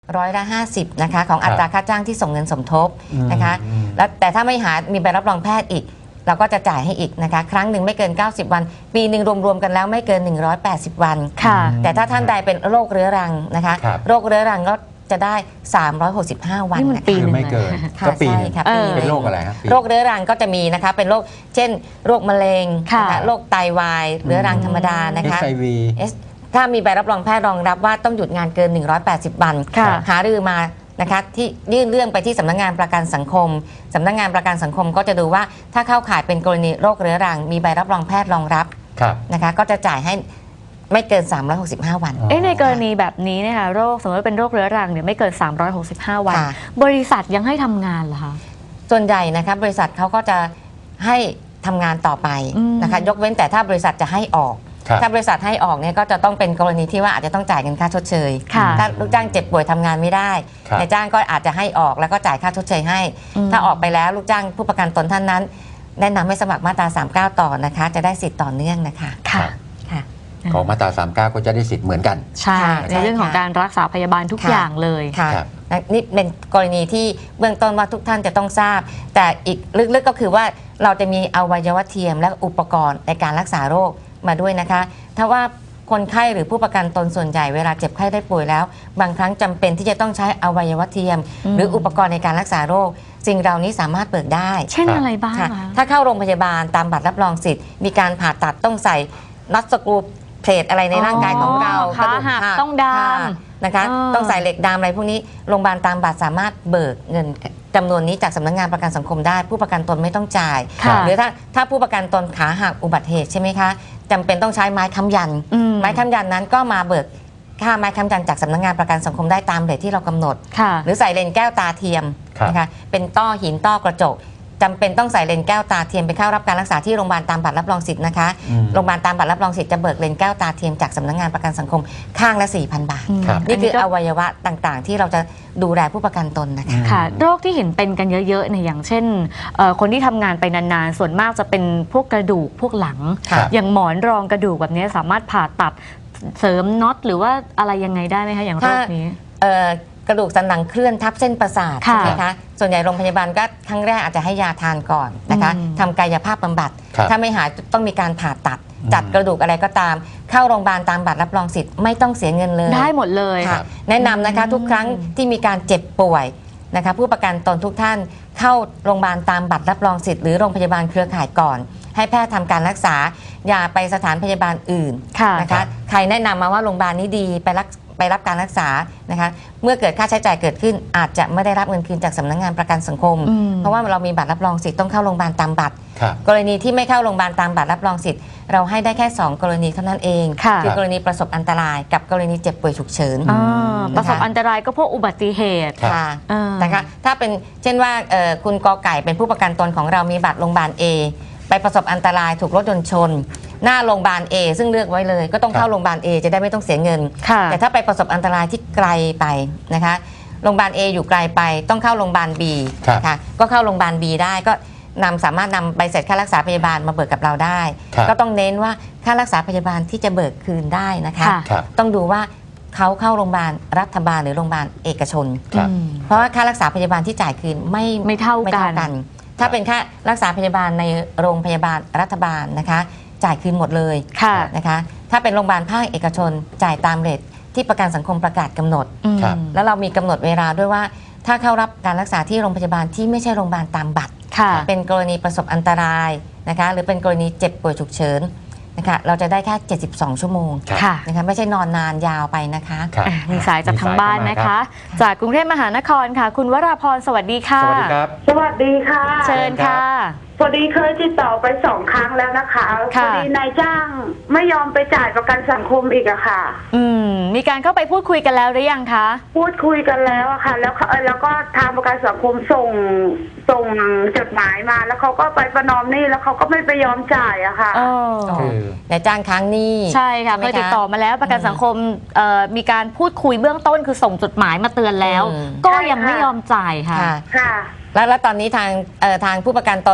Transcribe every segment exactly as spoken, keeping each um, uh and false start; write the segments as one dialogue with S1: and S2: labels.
S1: ร้อยละห้าสิบนะคะของอัตราค่าจ้างที่ส่งเงินสมทบนะคะแล้วแต่ถ้าไม่หามีใบรับรองแพทย์อีกเราก็จะจ่ายให้อีกนะคะครั้งหนึ่งไม่เกินเก้าสิบวันปีหนึ่งรวมๆกันแล้วไม่เกินหนึ่งร้อยแปดสิบวันแต่ถ้าท่านใดเป็นโรคเรื้อรังนะคะโรคเรื้อรังก็จะได้สามร้อยหกสิบห้าวัน
S2: ปีนึงไม่เกินก็ปีนึงเป็นโรคอะไรครับ
S1: โรคเรื้อรังก็จะมีนะคะเป็นโรคเช่นโรคมะเร็งโรคไตวายเรื้อรังธรรมดานะคะ
S2: เอช ไอ วี
S1: ถ้ามีใบรับรองแพทย์รองรับว่าต้องหยุดงานเกินหนึ่งร้อยแปดสิบวันหารือมานะคะที่ยื่นเรื่องไปที่สำนักงานประกันสังคมสำนักงานประกันสังคมก็จะดูว่าถ้าเข้าข่ายเป็นกรณีโรคเรื้อรังมีใบรับรองแพทย์รองรับนะคะก็จะจ่ายให้ไม่เกินสามร้อยหกสิบห้าวัน
S3: เอ๊ะในกรณีแบบนี้นะคะโรคสมมติว่าเป็นโรคเรื้อรังเนี่ยไม่เกินสามร้อยหกสิบห้าวันบริษัทยังให้ทำงานเหรอคะ
S1: ส่วนใหญ่นะคะบริษัทเขาก็จะให้ทำงานต่อไปนะคะยกเว้นแต่ถ้าบริษัทจะให้ออกถ้าบริษัทให้ออกเนี่ยก็จะต้องเป็นกรณีที่ว่าอาจจะต้องจ่ายเงินค่าชดเชยถ้าลูกจ้างเจ็บป่วยทำงานไม่ได้นายจ้างก็อาจจะให้ออกแล้วก็จ่ายค่าชดเชยให้ถ้าออกไปแล้วลูกจ้างผู้ประกันตนท่านนั้นแนะนำให้สมัครมาตราสามสิบเก้าต่อนะคะจะได้สิทธิ์ต่อเนื่องนะคะ
S3: ค่ะ
S2: ของมาตราสามสิบเก้าก็จะได้สิทธิ์เหมือนกัน
S3: ใช่ในเรื่องของการรักษาพยาบาลทุกอย่างเลย
S1: ค่ะนี่เป็นกรณีที่เบื้องต้นว่าทุกท่านจะต้องทราบแต่อีกลึกๆก็คือว่าเราจะมีอวัยวะเทียมและอุปกรณ์ในการรักษาโรคมาด้วยนะคะถ้าว่าคนไข้หรือผู้ประกันตนส่วนใหญ่เวลาเจ็บไข้ได้ป่วยแล้วบางครั้งจำเป็นที่จะต้องใช้อวัยวะเทียมหรืออุปกรณ์ในการรักษาโรคสิ่งเหล่านี้สามารถเบิกได้
S3: เช่นอะไรบ้าง
S1: ถ้าเข้าโรงพยาบาลตามบัตรรับรองสิทธิ์มีการผ่าตัดต้องใส่น็อตสกรูเพลทอะไรในร่างกายของเรา
S3: ขาหักต้องดาม
S1: นะคะต้องใส่เหล็กดามอะไรพวกนี้โรงพยาบาลตามบัตรสามารถเบิกเงินจำนวนนี้จากสำนักงานประกันสังคมได้ผู้ประกันตนไม่ต้องจ่ายหรือถ้าถ้าผู้ประกันตนขาหักอุบัติเหตุใช่ไหมคะจำเป็นต้องใช้ไม้ค้ำยันไม้ค้ำยันนั้นก็มาเบิกค่าไม้ค้ำยันจากสำนักงานประกันสังคมได้ตามเรทที่เรากำหนดหรือใส่เลนส์แก้วตาเทียมนะคะเป็นต้อหินต้อกระจกจำเป็นต้องใส่เลนส์แก้วตาเทียมไปเข้ารับการรักษาที่โรงพยาบาลตามบัตรรับรองสิทธิ์นะคะโรงพยาบาลตามบัตรรับรองสิทธิ์จะเบิกเลนส์แก้วตาเทียมจากสำนักงานประกันสังคมข้างละ สี่พัน บาทนี่คืออวัยวะต่างๆที่เราจะดูแลผู้ประกันตนนะคะ
S3: ค่ะโรคที่เห็นเป็นกันเยอะๆเนี่ยอย่างเช่นคนที่ทำงานไปนานๆส่วนมากจะเป็นพวกกระดูกพวกหลังอย่างหมอนรองกระดูกแบบนี้สามารถผ่าตัดเสริมน็อตหรือว่าอะไรยังไงได้ไหมคะอย่างโรคนี้
S1: กระดูกสันหลังเคลื่อนทับเส้นประสาทใช่ไหมคะส่วนใหญ่โรงพยาบาลก็ครั้งแรกอาจจะให้ยาทานก่อนนะคะทำกายภาพบำบัดถ้าไม่หายต้องมีการผ่าตัดจัดกระดูกอะไรก็ตามเข้าโรงพยาบาลตามบัตรรับรองสิทธิ์ไม่ต้องเสียเงินเลย
S3: ได้หมดเลย
S1: แนะนำนะคะทุกครั้งที่มีการเจ็บป่วยนะคะผู้ประกันตนทุกท่านเข้าโรงพยาบาลตามบัตรรับรองสิทธิ์หรือโรงพยาบาลเครือข่ายก่อนให้แพทย์ทำการรักษาอย่าไปสถานพยาบาลอื่นนะคะใครแนะนำมาว่าโรงพยาบาลนี้ดีไปรักไปรับการรักษานะคะเมื่อเกิดค่าใช้จ่ายเกิดขึ้นอาจจะไม่ได้รับเงินคืนจากสำนักงานประกันสังคมเพราะว่าเรามีบัตรรับรองสิทธิ์ต้องเข้าโรงพยาบาลตามบัตรกรณีที่ไม่เข้าโรงพยาบาลตามบัตรรับรองสิทธิ์เราให้ได้แค่สองกรณีเท่านั้นเองคือกรณีประสบอันตรายกับกรณีเจ็บป่วยฉุกเฉิน
S3: ประสบอันตรายก็พวกอุบัติเหตุ
S1: ค่ะนะคะถ้าเป็นเช่นว่าคุณกอไก่เป็นผู้ประกันตนของเรามีบัตรโรงพยาบาล A ไปประสบอันตรายถูกรถยนต์ชนหน้าโรงพยาบาล A ซึ่งเลือกไว้เลยก็ต้องเข้าโรงพยาบาล A จะได้ไม่ต้องเสียเงินแต่ถ้าไปประสบอันตรายที่ไกลไปนะคะโรงพยาบาล A อยู่ไกลไปต้องเข้าโรงพยาบาล B ค่ะก็เข้าโรงพยาบาล B ได้ก็นำสามารถนำใบเสร็จค่ารักษาพยาบาลมาเบิกกับเราได้ก็ต้องเน้นว่าค่ารักษาพยาบาลที่จะเบิกคืนได้นะคะต้องดูว่าเขาเข้าโรงพยาบาลรัฐบาลหรือโรงพยาบาลเอกชนเพราะว่าค่ารักษาพยาบาลที่จ่ายคืนไม่
S3: ไม่เท่ากัน
S1: ถ้าเป็นค่ารักษาพยาบาลในโรงพยาบาลรัฐบาลนะคะจ่ายคืนหมดเลยนะคะถ้าเป็นโรงพยาบาลภาคเอกชนจ่ายตามเรทที่ประกันสังคมประกาศกำหนดแล้วเรามีกำหนดเวลาด้วยว่าถ้าเข้ารับการรักษาที่โรงพยาบาลที่ไม่ใช่โรงพยาบาลตามบัตรเป็นกรณีประสบอันตรายนะคะหรือเป็นกรณีเจ็บป่วยฉุกเฉินนะคะเราจะได้แค่เจ็ดสิบสองชั่วโมงนะคะไม่ใช่นอนนานยาวไปนะคะ
S3: มีสายจากทางบ้านนะคะจากกรุงเทพมหานครค่ะคุณวราพรสวัสดีค่ะ
S2: สวัสดีครับ
S4: สวัสดีค่ะ
S3: เชิญค่ะ
S4: พอดีเคยติดต่อไปสองครั้งแล้วนะคะพอดีนายจ้างไม่ยอมไปจ่ายประกันสังคมอีกอะค่ะ
S3: อืมมีการเข้าไปพูดคุยกันแล้วหรือยังคะ
S4: พูดคุยกันแล้วอะค่ะแล้วแล้วก็ทางประกันสังคมส่งส่งจดหมายมาแล้วเขาก็ไปประนอมหนี้แล้วเขาก็ไม่ไปยอมจ่ายอะค่ะ
S1: นายจ้างค้างหนี้
S3: ใช่ค่ะเคยติดต่อมาแล้วประกันสังคมมีการพูดคุยเบื้องต้นคือส่งจดหมายมาเตือนแล้วก็ยังไม่ยอมจ่ายค่ะ
S4: ค่ะ
S1: แล้วแล้วตอนนี้ทางทางผู้ประกันตน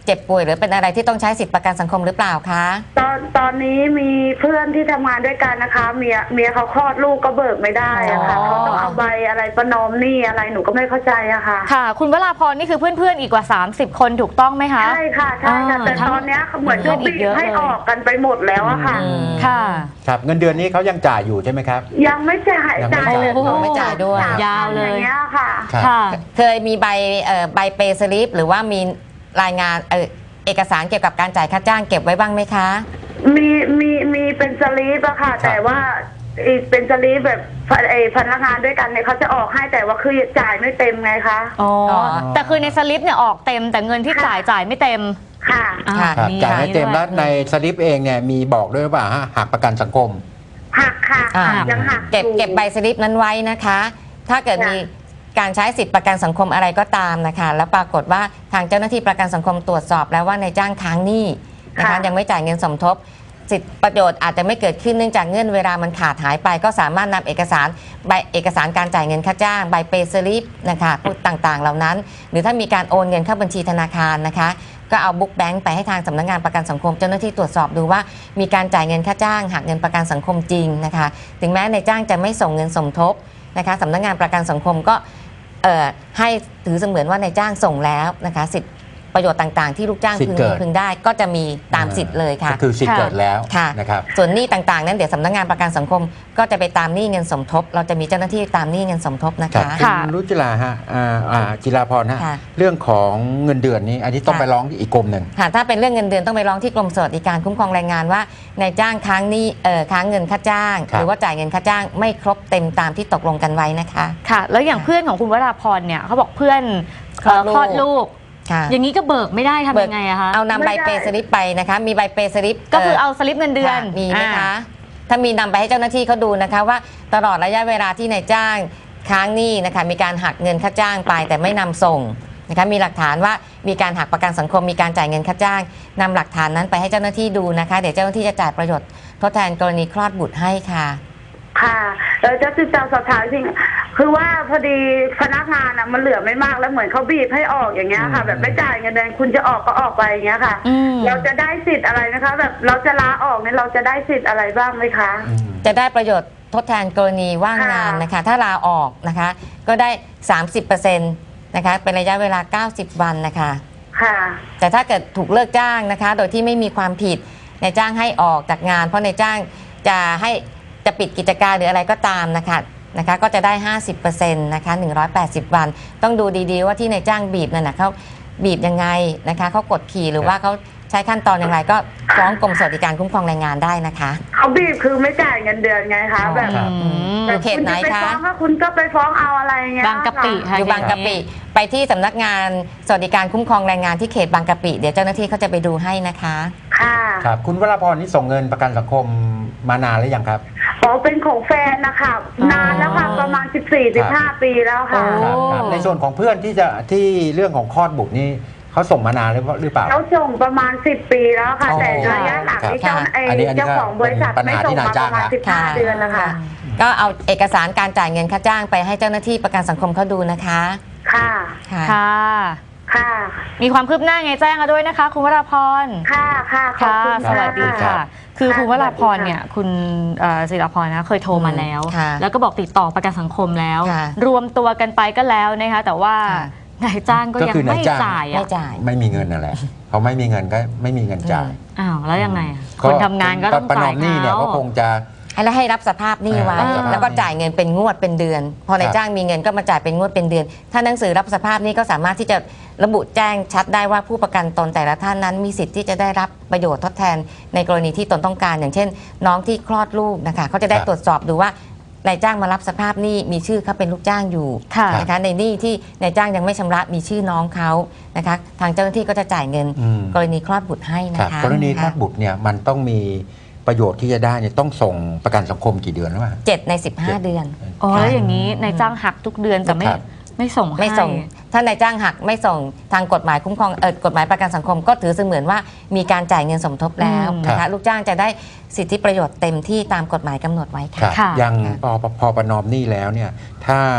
S1: เจ็บป่วยหรือเป็นอะไรที่ต้องใช้สิทธิประกันสังคมหรือเปล่าคะ
S4: ตอนตอนนี้มีเพื่อนที่ทำงานด้วยกันนะคะ เมียเมียเขาคลอดลูกก็เบิกไม่ได้อะค่ะ
S3: อ๋อ
S4: เขาต้องเอาใบอะไรประนอมหนี้อะไรหนูก็ไม่เข้าใจอะค่ะ
S3: ค่ะ คุณวราพรนี่คือเพื่อนๆอีกกว่า สามสิบ คนถูกต้องไหมคะ
S4: ใช่ค่ะใช่ค่ะ
S3: อ่า
S4: แต่ตอนเนี้ยเหมือนเขาบีบให้ออกกันไปหมดแล้วอะค่ะ
S1: อืม
S3: ค่ะ
S2: ครับเงินเดือนนี้เขายังจ่ายอยู่ใช่ไหมครับ
S4: ยังไม่จ่าย
S2: ยังไม่
S4: จ่าย
S2: จ่าย
S4: เลย
S1: โอ้โหไม่จ่ายด้วย
S4: สม
S3: ยาวเลย
S4: อย่างเงี้ยค่ะ
S2: ครับ
S3: ค่ะ
S1: เคยมีใบเอ่อใบเปย์สลิปหรือว่ามีรายงานเอ่อเอกสารเกี่ยวกับการจ่ายค่าจ้างเก็บไว้บ้างไหมคะ
S4: มีมีมีเป็นสลีปอะค่ะ แต่ว่าอีกเป็นสลีปแบบไอ้พนักงานด้วยกันเนี่ยเขาจะออกให้แต่ว่าคือจ่ายไม่เต็มไงคะ
S3: อ๋อ
S1: อ๋อ
S3: แต่คือในสลิปเนี่ยออกเต็มแต่เงินที่จ่ายจ่ายไม่เต็ม
S4: ค่ะ
S3: อ่า
S1: ค่ะ
S2: ครับ
S3: มี
S2: จ่ายให้เต็ม
S3: ด้
S2: แล้ว วย ในสลิปเองเนี่ยมีบอกด้วยหรือเปล่าฮะหักประกันสังคม
S4: หักค่ะ
S1: อ่า
S4: ยังหัก
S1: เก็บ
S4: อยู่
S1: เก็บใบสลิปนั้นไว้นะคะ ถ้าเกิด
S4: ค่ะ
S1: มีการใช้สิทธิประกันสังคมอะไรก็ตามนะคะ แล้วปรากฏว่าทางเจ้าหน้าที่ประกันสังคมตรวจสอบแล้วว่านายจ้างค้างหนี้นะคะยังไม่จ่ายเงินสมทบ สิทธิประโยชน์อาจจะไม่เกิดขึ้นเนื่องจากเงื่อนเวลามันขาดหายไป ก็สามารถนำเอกสารใบเอกสารการจ่ายเงินค่าจ้างใบเปย์สลิปนะคะพวกต่างๆ เหล่านั้น หรือถ้ามีการโอนเงินเข้าบัญชีธนาคารนะคะ ก็เอาบุ๊กแบงค์ไปให้ทางสำนักงานประกันสังคมเจ้าหน้าที่ตรวจสอบดูว่ามีการจ่ายเงินค่าจ้างหักเงินประกันสังคมจริงนะคะ ถึงแม้นายจ้างจะไม่ส่งเงินสมทบนะคะสำนักงานประกันสังคมก็เอ่อให้ถือเสมือนว่านายจ้างส่งแล้วนะคะสิทธิประโยชน์ต่างๆที่ลูกจ้าง
S2: สิท
S1: พึ
S2: ธิ์
S1: ง
S2: เกิ
S1: มี
S2: ด
S1: พึงได้ก็จะมีตามสิทธิ์เลยค่ะ
S2: ก็คือสิทธิ์
S3: ค่ะ
S2: เกิดแล้ว
S1: ค่ะ
S2: นะครับ
S1: ส่วนหนี้ต่างๆนั้นเดี๋ยวสำนักงานประกันสังคม ก็จะไปตามหนี้เงินสมทบ เราจะมีเจ้าหน้าที่ตามหนี้เงินสมทบนะ
S2: ครั
S1: คะ
S2: บ
S3: ค่ะ
S2: คุณรุจิราฮะอ่าอ่าจิราพรฮะ
S1: ค่ะ
S2: เรื่องของเงินเดือนนี้ อันนี้ต้อง
S1: ค่ะ
S2: ไปร้องที่อีกกรมหนึ่ง
S1: ค่ะถ้าเป็นเรื่องเงินเดือนต้องไปร้องที่กรมสวัสดิการคุ้มครองแรงงานว่านายจ้างค้างหนี้เอ่อค้างเงินค่าจ้าง
S2: ครับ
S1: หรือว่าจ่ายเงินค่าจ้างไม่ครบเต็มตามที่ตกลงกันไว้นะคะ
S3: ค่ะ แล้วอย่างเพื่อนของคุณวราพรเนี่ยเขาบอกเพื่อนเอ่อ
S1: ค
S3: ค
S1: ล
S3: ล
S1: อ
S3: อ
S1: ด
S3: ด
S1: ลู
S3: ลู
S1: ก
S3: ก
S1: ค่ะ
S3: อย่างนี้ก็เบิกไม่ได้ทำยังไงอะคะ
S1: เอานำใบ
S4: ไม่ได้
S1: เปย์สลิปไปนะคะมีใบเปย์สลิป
S3: ก็คือเอาสลิปเงินเดือน
S1: ค่ะมีไหม
S3: อ่า
S1: คะ ถ้ามีนำไปให้เจ้าหน้าที่เขาดูนะคะว่าตลอดระยะเวลาที่นายจ้างค้างหนี้นะคะมีการหักเงินค่าจ้างไปแต่ไม่นำส่งนะคะมีหลักฐานว่ามีการหักประกันสังคมมีการจ่ายเงินค่าจ้างนำหลักฐานนั้นไปให้เจ้าหน้าที่ดูนะคะเดี๋ยวเจ้าหน้าที่จะจ่ายประโยชน์ทดแทนกรณีคลอดบุตรให้ค่ะ
S4: ค่ะเออจะติดตามสอบถามจริงคือว่าพอดีพนักงานอ่ะมันเหลือไม่มากแล้วเหมือนเขาบีบให้ออกอย่างเงี้ยค่ะ
S2: อืม
S4: แบบไม่จ่ายเงินเดือนคุณจะออกก็ออกไปอย่างเงี้ยค่ะ
S3: อืม
S4: เราจะได้สิทธิ์อะไรนะคะ แบบเราจะลาออกเนี่ยเราจะได้สิทธิ์อะไรบ้างไหมคะ
S2: อืม
S1: จะได้ประโยชน์ทดแทนกรณีว่างงานนะคะ ถ้าลาออกนะคะ ก็ได้ สามสิบเปอร์เซ็นต์ นะคะเป็นระยะเวลา เก้าสิบ วันนะคะ
S4: ค่ะ
S1: แต่ถ้าเกิดถูกเลิกจ้างนะคะ โดยที่ไม่มีความผิดนายจ้างให้ออกจากงาน เพราะนายจ้างจะให้จะปิดกิจการหรืออะไรก็ตามนะคะนะคะก็จะได้ ห้าสิบเปอร์เซ็นต์ นะคะหนึ่งร้อยแปดสิบ วัน ต้องดูดีๆว่าที่นายจ้างบีบนั่นนะเขาบีบยังไงนะคะเขากดขี่หรือว่าเขาใช้ขั้นตอนอย่างไรก็ฟ้องกรมสวัสดิการคุ้มครองแรงงานได้นะคะ
S4: เขาบีบคือไม่จ่ายเงินเดือนไงคะแบบ
S2: ครับ
S3: อืม
S1: อยู่เขตไหน
S4: ณจไป
S1: คะ
S4: ฟ้องก็คุณก็ไปฟ้องเอาอะไรเงี้ย
S3: บางกะปิค่ะ
S1: อยู่บางกะปิไปที่สำนักงานสวัสดิการคุ้มครองแรงงานที่เขตบางกะปิเดี๋ยวเจ้าหน้าที่เขาจะไปดูให้นะคะ
S4: ค่ะ
S2: ครับคุณวราพรนี่ส่งเงินประกันสังคมมานานหรือยังครับ
S4: อ๋อเป็นของแฟนนะคะ
S3: อ๋อ
S4: นานแล้วค่ะประมาณ สิบสี่สิบห้า ปีแล้วค่ะ
S3: โอ้
S2: ครับครับในส่วนของเพื่อนที่จะที่เรื่องของคลอดบุตรนี่เขาส่งมานานหรือหรือเปล่า
S4: เขาส่งประมาณ สิบ ปีแล้วค่ะ
S2: อ๋อ
S4: แต่ระยะหลังนี่เจ้า
S1: ครับ
S4: ไอ้
S2: อันนี้อันนี้
S4: เจ้าของบริษัท
S2: ก็เป็นปัญ
S4: ไม่
S2: หา
S4: ส่ง
S2: ที่นาย
S4: มา
S2: จ้า
S4: ป
S2: ง
S4: ระมาณ
S2: นะ
S4: สิบห้า เดือนนะคะ
S1: ก็เอาเอกสารการจ่ายเงินค่าจ้างไปให้เจ้าหน้าที่ประกันสังคมเขาดูนะคะ
S4: ค่ะ
S1: ค่ะ
S3: ค่ะ
S4: ค่ะ
S3: มีความคืบหน้าไงแจ้งมาด้วยนะคะ คุณวราพร
S4: ค่ะค่ะขอบ
S3: ค่ะ
S4: คุณ
S3: สวัสดี
S4: ค่ะ
S3: ค่ะ คือ
S4: ค่ะ
S3: คุณวราพร
S4: สวัสดีค่ะ
S3: เนี่ย คุณเอ่อศิรพรนะ เคยโทรมาแล้ว
S1: ค่ะ
S3: แล้วก็บอกติดต่อประกันสังคมแล้ว
S1: ค่ะ
S3: รวมตัวกันไปก็แล้วนะคะ แต่ว่า
S1: ค่ะ
S3: นายจ้างก็
S2: ก็
S3: ยัง
S2: คือนาย
S3: ไม่
S2: จ้าง
S3: จ่าย
S1: ไม่
S3: อ่ะ
S1: จ่าย
S2: ไม่มีเงินนั่นแหละเขาไม่มีเงินก็ไม่มีเงินจ่าย
S3: อ้าวแล้วยังไงอะคนทำงานก็ต้อง
S2: ประน
S3: จ่า
S2: อย มหนี้เนี่ย
S3: เขา
S2: ก็คงจะ
S1: แล้วให้รับสภาพหนี้ไว้
S2: อ่า
S1: แล้วก็จ่ายเงินเป็นงวดเป็นเดือน พอนายจ้างมีเงินก็มาจ่ายเป็นงวดเป็นเดือน ถ้าหนังสือรับสภาพหนี้ก็สามารถที่จะระบุแจ้งชัดได้ว่าผู้ประกันตนแต่ละท่านนั้นมีสิทธิ์ที่จะได้รับประโยชน์ทดแทนในกรณีที่ตนต้องการ อย่างเช่น น้องที่คลอดลูกนะคะเขาจะได้
S2: ครับ
S1: ตรวจสอบดูว่านายจ้างมารับสภาพหนี้มีชื่อเขาเป็นลูกจ้างอยู่
S3: ค่ะ
S1: นะคะในหนี้ที่นายจ้างยังไม่ชำระมีชื่อน้องเขานะคะทางเจ้าหน้าที่ก็จะจ่ายเงิน
S2: อืม
S1: กรณีคลอดบุตรให้
S2: ครับ
S1: นะคะ
S2: กรณีคลอดบุตรเนี่ยมันต้องมีประโยชน์ที่จะได้เนี่ยต้องส่งประกันสังคมกี่เดือนหรือเปล่า
S1: เจ็ดในสิบห้าเดือน
S3: อ๋อแล้วอย่างนี้นายจ้างหักทุกเดือนแต่ไม่
S2: ครับ
S3: ไม่ส่งให้
S1: ไม่ส่ง ถ้านายจ้างหักไม่ส่งทางกฎหมายคุ้มครองเออกฎหมายประกันสังคมก็ถือเสมือนว่ามีการจ่ายเงินสมทบแล้ว
S3: อืม
S1: นะ
S2: ครั
S1: คะ
S2: บ
S1: ลูกจ้างจะได้สิทธิประโยชน์เต็มที่ตามกฎหมายกำหนดไว้
S2: ครั
S1: ค่ะ
S2: บ
S3: ค่ะ
S2: ยัง
S1: ค่ะ
S2: พอพอประนอมหนี้แล้วเนี่ย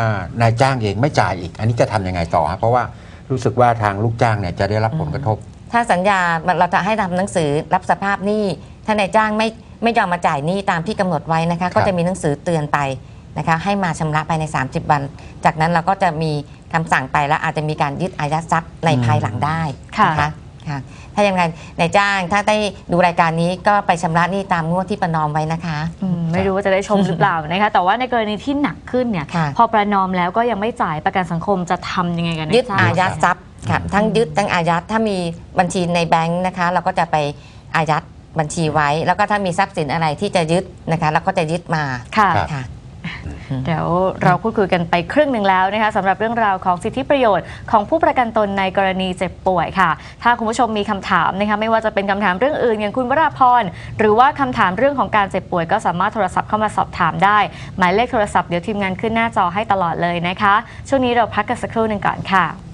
S2: ถ้านายจ้างเองไม่จ่ายอีก อันนี้จะทำยังไงต่อฮะเพราะว่ารู้สึกว่าทางลูกจ้างเนี่ยจะได้รับผลกระทบ
S1: ถ้าสัญญาเราจะให้ทำหนังสือรับสภาพหนี้ถ้านายจ้างไม่ไม่ยอมมาจ่ายหนี้ตามที่กำหนดไว้นะคะก็จะมีหนังสือเตือนไปนะคะให้มาชำระภายในสามสิบวันจากนั้นเราก็จะมีคำสั่งไปแล้วอาจจะมีการยึดอายัดทรัพย์ในภายหลังได้นะคะค่ะถ้ายังไงนายจ้างถ้าได้ดูรายการนี้ก็ไปชำระหนี้ตามงวดที่ประนอมไว้นะคะ
S3: อืมไม่รู้ว่าจะได้ชมหรือเปล่านะคะแต่ว่าในกรณีที่หนักขึ้นเนี่ย
S1: ค่ะ
S3: พอประนอมแล้วก็ยังไม่จ่ายประกันสังคมจะทำยังไงกัน
S1: ยึด
S3: จ้าง
S1: อายัดทรัพย์ค่ะทั้งยึดทั้งอายัดถ้ามีบัญชีในแบงค์นะคะ เราก็จะไปอายัดบัญชีไว้ แล้วก็ถ้ามีทรัพย์สินอะไรที่จะยึดนะคะเราก็จะยึดมา
S3: ค่ะ
S1: ค่ะ
S3: เดี๋ยวเราพูดคุยกันไปครึ่งหนึ่งแล้วนะคะสำหรับเรื่องราวของสิทธิประโยชน์ของผู้ประกันตนในกรณีเจ็บป่วยค่ะถ้าคุณผู้ชมมีคำถามนะคะไม่ว่าจะเป็นคำถามเรื่องอื่นอย่างคุณวราพรหรือว่าคำถามเรื่องของการเจ็บป่วยก็สามารถโทรศัพท์เข้ามาสอบถามได้หมายเลขโทรศัพท์เดี๋ยวทีมงานขึ้นหน้าจอให้ตลอดเลยนะคะช่วงนี้เราพักกันสักครู่หนึ่งก่อนค่ะ